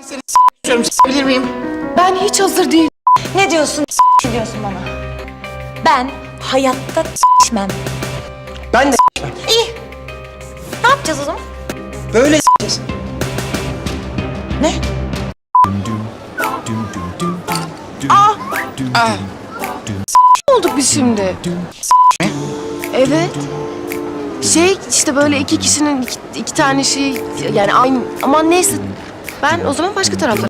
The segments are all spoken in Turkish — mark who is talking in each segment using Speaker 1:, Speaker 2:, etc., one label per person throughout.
Speaker 1: Seni s***yorum, s***bilir miyim?
Speaker 2: Ben hiç hazır değilim.
Speaker 3: Ne diyorsun? Diyorsun bana. Ben hayatta s**mem.
Speaker 1: Ben de
Speaker 3: İyi. Ne yapacağız o zaman?
Speaker 1: böyle s***yiz.
Speaker 3: Ne?
Speaker 2: Ne olduk biz şimdi? Evet. İşte böyle iki kişinin iki tane şey yani aynı ama neyse. Ben o zaman başka tarafta.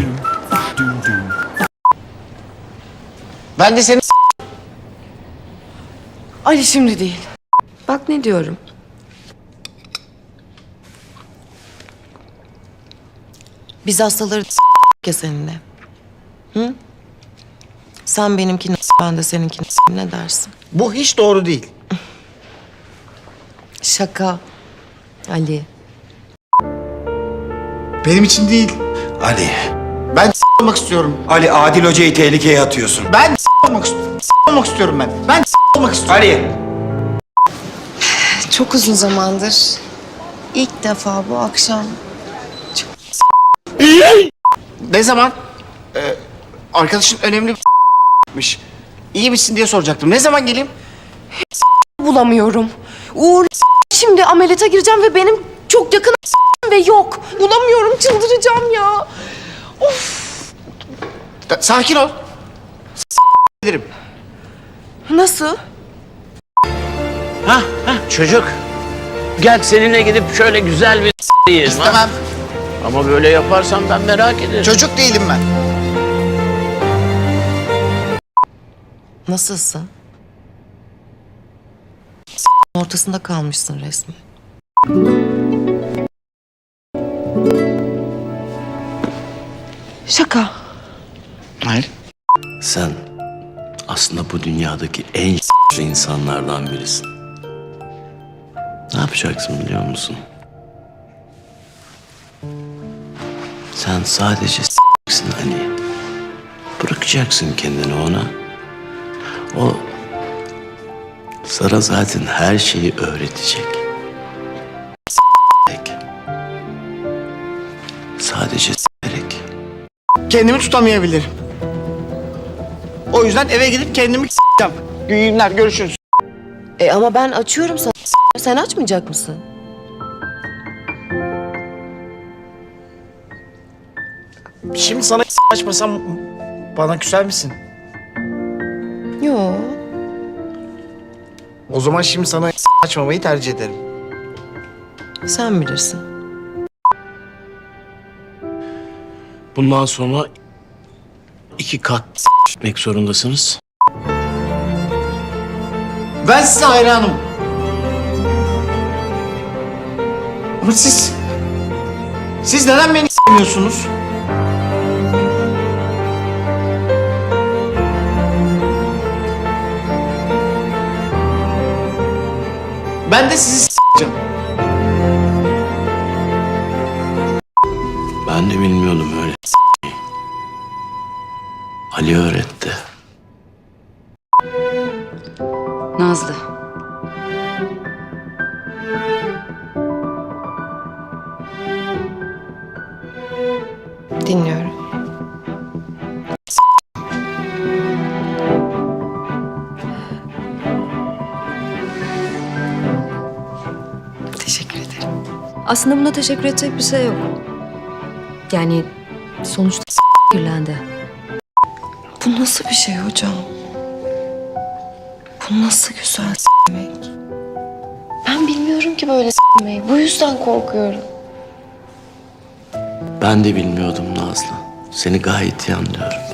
Speaker 1: Ben de seni
Speaker 2: Ali şimdi değil. Bak ne diyorum. Biz hastaları ya seninle. Hı? Sen benimkini ben de seninkini ne dersin?
Speaker 1: Bu hiç doğru değil.
Speaker 2: Şaka. Ali.
Speaker 1: Benim için değil.
Speaker 4: Ali,
Speaker 1: Ben olmak istiyorum.
Speaker 4: Ali Adil Hoca'yı tehlikeye atıyorsun.
Speaker 1: Ben olmak istiyorum. Olmak istiyorum ben. Ben olmak istiyorum.
Speaker 4: Ali!
Speaker 2: Çok uzun zamandır ilk defa bu akşam
Speaker 1: Ne zaman? Arkadaşın önemli bir İyi misin diye soracaktım. Ne zaman geleyim?
Speaker 2: bulamıyorum. Uğur şimdi ameliyata gireceğim ve benim çok yakın ve yok. Bulamıyorum, çıldıracağım ya.
Speaker 1: Sakin ol. Ederim.
Speaker 2: Nasıl?
Speaker 5: Çocuk. Gel seninle gidip şöyle güzel bir yiyelim ha.
Speaker 1: Tamam.
Speaker 5: Ama böyle yaparsan ben merak ederim.
Speaker 1: Çocuk değilim ben.
Speaker 2: Nasılsın? Ortasında kalmışsın resmen. Şaka.
Speaker 1: Hayır.
Speaker 5: Sen aslında bu dünyadaki en insanlardan birisin. Ne yapacaksın biliyor musun? Sen sadece s***sin Ali. Bırakacaksın kendini ona. O sana zaten her şeyi öğretecek. S***lik. Sadece s***lik.
Speaker 1: Kendimi tutamayabilirim. O yüzden eve gidip kendimi s***eceğim. İyi günler, görüşürüz.
Speaker 2: Ama ben açıyorum sana. Sen açmayacak mısın?
Speaker 1: Şimdi sana açmasam bana küser misin?
Speaker 2: Yok.
Speaker 1: O zaman şimdi sana açmamayı tercih ederim.
Speaker 2: Sen bilirsin.
Speaker 5: Bundan sonra 2 kat gitmek zorundasınız.
Speaker 1: Ben size hayranım. Ama siz neden beni sevmiyorsunuz? Ben de sizi s***eceğim.
Speaker 5: Ben de bilmiyordum öyle s***yi. Ali öğretti.
Speaker 6: Nazlı.
Speaker 2: Dinliyorum. Teşekkür ederim.
Speaker 6: Aslında buna teşekkür edecek bir şey yok. Yani sonuçta kirlendi.
Speaker 2: Bu nasıl bir şey hocam? Bu nasıl güzel s**mek? Ben bilmiyorum ki böyle s**meyi. Bu yüzden korkuyorum.
Speaker 5: Ben de bilmiyordum Nazlı. Seni gayet iyi anlıyorum.